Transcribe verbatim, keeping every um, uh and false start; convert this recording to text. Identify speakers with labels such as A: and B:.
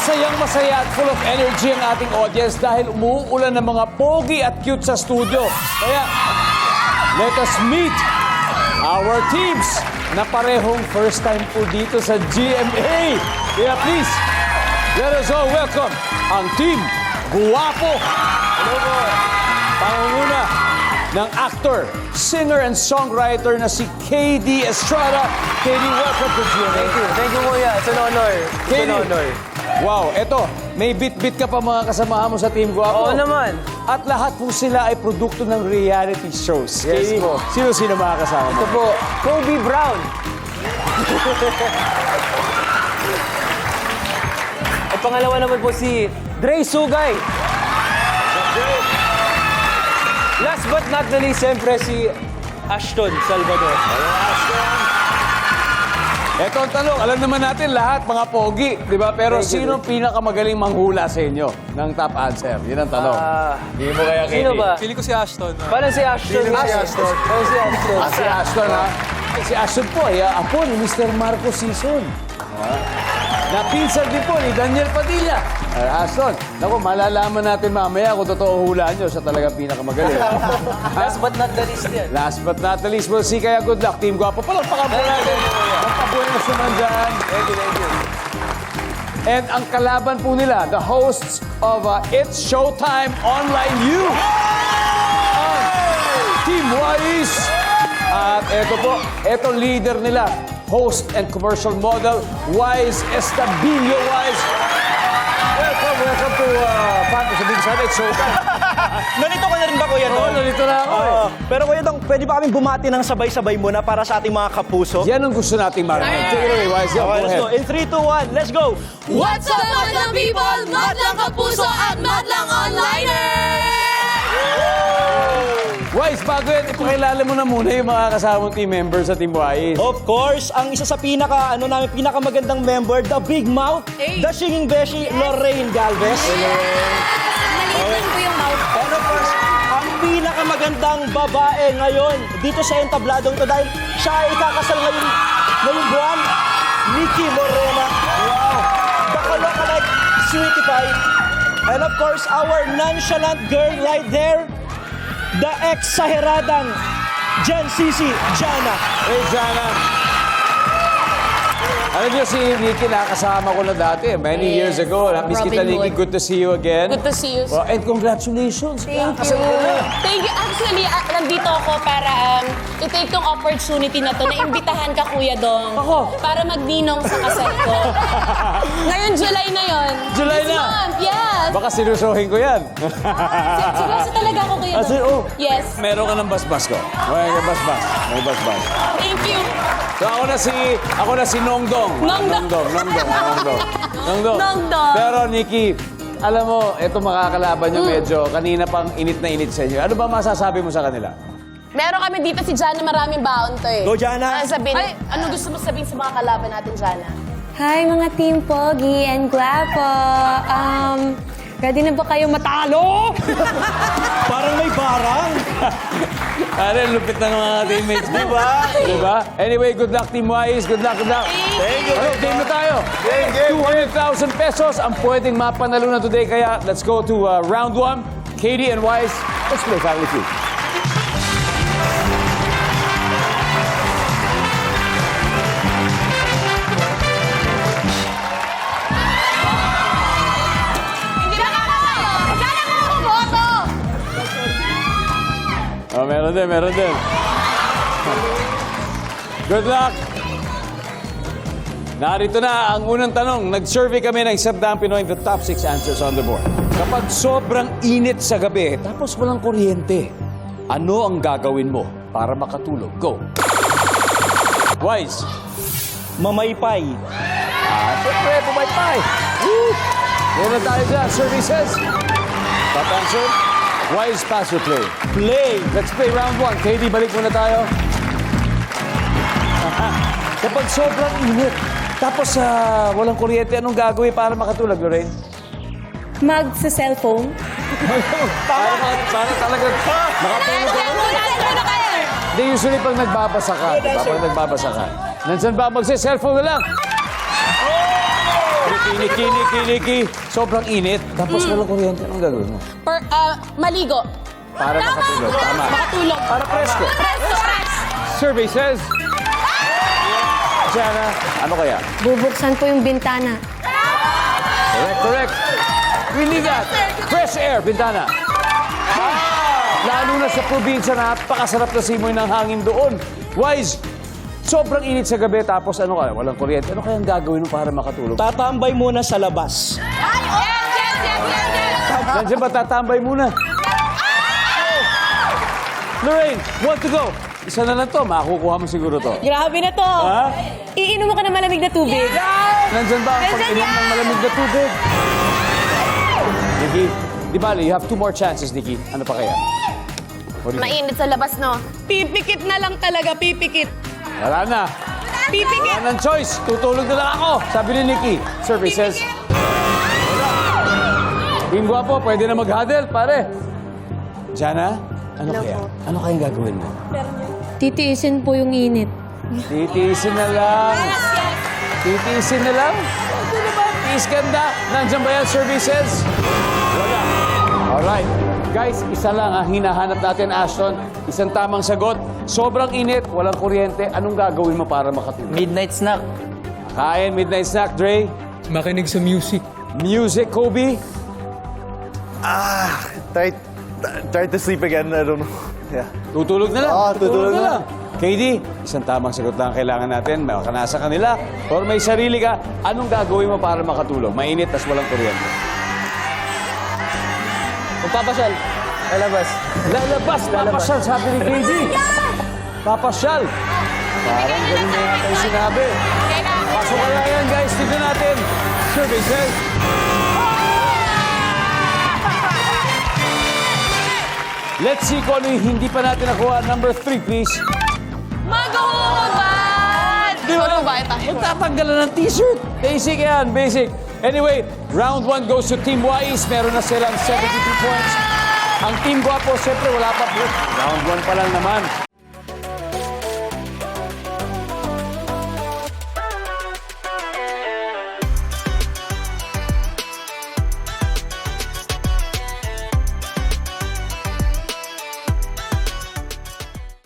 A: Masayang masaya at full of energy ang ating audience dahil umuulan ng mga pogi at cute sa studio. Kaya, let us meet our teams na parehong first time po dito sa G M A. Kaya please, let us all welcome ang Team Guwapo. Hello po. Pangunguna ng actor, singer, and songwriter na si K D Estrada. K D, welcome to G M A.
B: Thank you. Thank you, Kuya. It's an honor. It's
A: K D.
B: an honor.
A: Wow, eto, may bit-bit ka pa mga kasamahan mo sa Team Guwapo.
B: Oo naman.
A: At lahat po sila ay produkto ng reality shows.
B: Yes
A: K D,
B: po.
A: sino-sino mga kasama mo?
B: Ito po, Kobe Brown. At pangalawa naman po si Dre Sugay. Last but not the least, siyempre si Ashton Salvador.
A: Eto ang tanong, alam naman natin lahat, mga pogi, di ba? Pero
B: Thank you,
A: sino pinakamagaling manghula sa inyo ng top answer? Yun ang tanong.
B: Ah,
A: Hindi mo kaya, K D?
B: Sino ba?
C: Pili ko si Ashton.
B: Parang si Ashton.
C: Feeling ko si Ashton.
B: Parang si Ashton.
A: Ah, si Ashton, ha? Eh, si Ashton po, ay ah, apo ni Mister Marco Sison. Napinsan din po ni Daniel Padilla. Ah, Ashton, naku, malalaman natin mamaya kung totoo hulaan nyo, siya talaga pinakamagaling.
B: Last but not the least yan.
A: Last but not the least, we'll see. Kaya good luck, Team Guwapo. Palakpakan po natin. Magpabuenas naman dyan.
B: Thank you, thank you.
A: And ang kalaban po nila, the hosts of uh, It's Showtime Online U. Ang Team Wise. At eto po, eto leader nila, host and commercial model, Wise Estabilio. Wise, welcome, welcome to, uh, paano sabihin sana, It's Showtime.
D: Nalito ka na rin ba, Kuya
A: Oo,
D: Dong?
A: nalito na ako eh.
D: Oo. Pero Kuya Dong, pwede ba kaming bumati ng sabay-sabay muna para sa ating mga kapuso?
A: Yan ang gusto nating marinig. Take it away, Wise. Yeah,
D: Okay,
A: go
D: let's go.
A: ahead.
D: In three, two, one, let's go!
E: What's up, Madlang people? Madlang Kapuso at Madlang Onliner!
A: Wise, bago yan, ipakilala mo na muna yung mga kasama mong team members sa Team Wise.
D: Of course, ang isa sa pinaka, ano namin, pinakamagandang member, the Big Mouth,
E: Hey.
D: the Singing Beshi, Lorraine Galvez.
E: Malitan ko yung mouth.
D: And of course, ang pinakamagandang babae ngayon dito sa entabladong to dahil siya ay ikakasal ngayon, ngayong buwan, Nikki Morena. Wow! The Kalokalike Sweetie Pie. And of course, our nonchalant girl right there, the ex-saheradang Jen Sisi Jana.
A: Hey, Jana. Alam niyo si Nikki, nakasama ko na dati, many years
E: Yes.
A: ago. Miss kita,
E: Robin
A: Nikki.
E: Hood.
A: Good to see you again.
E: Good to see you.
A: Well, and congratulations.
E: Thank
A: Nakasal
E: you.
A: ka na.
F: Thank you. Actually, ah, nandito ako para um, i-take tong opportunity na to na imbitahan ka, Kuya Dong.
A: Ako?
F: Para magninong sa kasal ko. Ngayon, July na yon.
A: July
F: This
A: na?
F: month, yes.
A: Baka sinusohin ko yan.
F: Seryoso talaga ako, Kuya
A: Ah,
F: Dong.
A: sir- oh.
F: Yes.
A: Meron ka ng basbas ko. May basbas. May basbas.
F: Thank you.
A: So ako na si, ako na si Nongdong.
F: Nongdong.
A: Nongdong. Nongdong. Nongdong. Nongdong.
F: Nongdong.
A: Pero Nikki, alam mo, ito makakalaban nyo
F: Mm.
A: medyo, kanina pang init na init sa inyo. Ano ba masasabi mo sa kanila?
F: Meron kami dito si Jana, maraming baon to eh.
D: Go, Jana.
F: Ano sabihin? Ay, ano gusto mo sabihin sa mga kalaban natin, Jana?
G: Hi mga Team Pogi and Guapo! Um, ready na ba kayo matalo?
D: Parang may barang.
A: Ano, lupit na ng mga teammates mo. Diba? Diba? Anyway, good luck, Team Wise. Good luck, good luck.
D: Thank you.
A: Ano, game na tayo. two hundred thousand pesos ang pwedeng mapanalunan today. Kaya let's go to uh, round one. Katie and Wise, let's play Family Feud.
E: Hindi na kakatayo. Sana mo ako boto.
A: Oh, meron din, meron din. Good luck! Narito na ang unang tanong. Nag-survey kami ng isang daang Pinoy the top six answers on the board. Kapag sobrang init sa gabi, tapos walang kuryente, ano ang gagawin mo para makatulog? Go! Wise.
D: Mamaypay.
A: Ah, siyempre, pumaypay. Woo! Yan na tayo dyan. Survey says. Top answer. Wise, pass or play?
D: Play.
A: Let's play round one. Katie, balik muna tayo. Kapag sobrang init, tapos uh, walang kuryente, anong gagawin para makatulog, Lorraine?
G: Mag sa cellphone?
A: Para, para talaga makatulog ka.
E: Ano kayo?
A: Hindi, usually pag nagbabasa ka, diba? Pag nagbabasa ka. Nandyan ba? Magsa-cellphone na lang. Tricky Niki, Niki, Niki. Sobrang init. Tapos walang kuryente. Anong gagawin mo?
F: Per, ah, maligo.
A: Para makatulog. Tama.
F: Makatulog.
A: Para presko.
F: Presto.
A: Survey says... Jana, ano kaya?
G: Bubuksan po yung bintana.
A: Correct, correct. We need that. Fresh air, bintana. Ah, lalo na sa probinsya, napakasarap na simoy ng hangin doon. Wise, sobrang init sa gabi, tapos ano kaya, walang kuryente. Ano kaya ang gagawin mo para makatulog?
D: Tatambay muna sa labas.
E: Yes, yes, yes, yes, yes.
A: Nandiyan ba tatambay muna? Lorraine, want to go? Isa na lang to, makukuha mo siguro to.
G: Grabe na to.
A: Ha?
G: Iinom mo ka ng malamig na tubig.
A: Nandyan ba ang pag-inom ng malamig na tubig? Nikki, di ba, you have two more chances, Nikki. Ano pa kaya? What do you think?
F: Mainit sa labas, no?
G: Pipikit na lang talaga, pipikit.
A: Wala na.
G: Pipikit.
A: Wala nang choice. Tutulog na lang ako. Sabi ni Nikki. Survey says... Yung gwapo, pwede na mag-huddle, pare. Jana, ano kaya? Ano kayang gagawin mo?
G: Titiisin po yung init.
A: Titiisin na lang. Titiisin na lang? Ano naman? Tiis ganda. Nandiyan ba yan, services? Wala. Alright. Guys, isa lang ang hinahanap natin, Ashton. Isang tamang sagot. Sobrang init, walang kuryente. Anong gagawin mo para makatulog?
B: Midnight snack.
A: Kain, midnight snack, Dre.
C: Makinig sa music.
A: Music, Kobe.
H: Ah, try, try to sleep again. I don't know. Yeah.
A: Tutulog na lang.
H: Oo, tutulog na.
A: K D, isang tamang sagot lang ang kailangan natin. May ka nasa kanila or may sarili ka. Anong gagawin mo para makatulog? Mainit, tas walang kuryente.
B: Magpapasyal. Lalabas.
A: Lalabas, papasyal, sabi ni K D. Papasyal. Parang ganun na yata yung sinabi. Pasok kaya yan, guys. Tignan natin. Survey says... Let's see kung ano yung hindi pa natin nakuha. Number three, please.
E: Maghuhubad!
A: Di ba? Magtatanggalan ng t-shirt. Basic yan, basic. Anyway, round one goes to Team Wise. Meron na silang seventy-two points. Ang Team Guapo, siyempre wala pa po. Round one pa lang naman.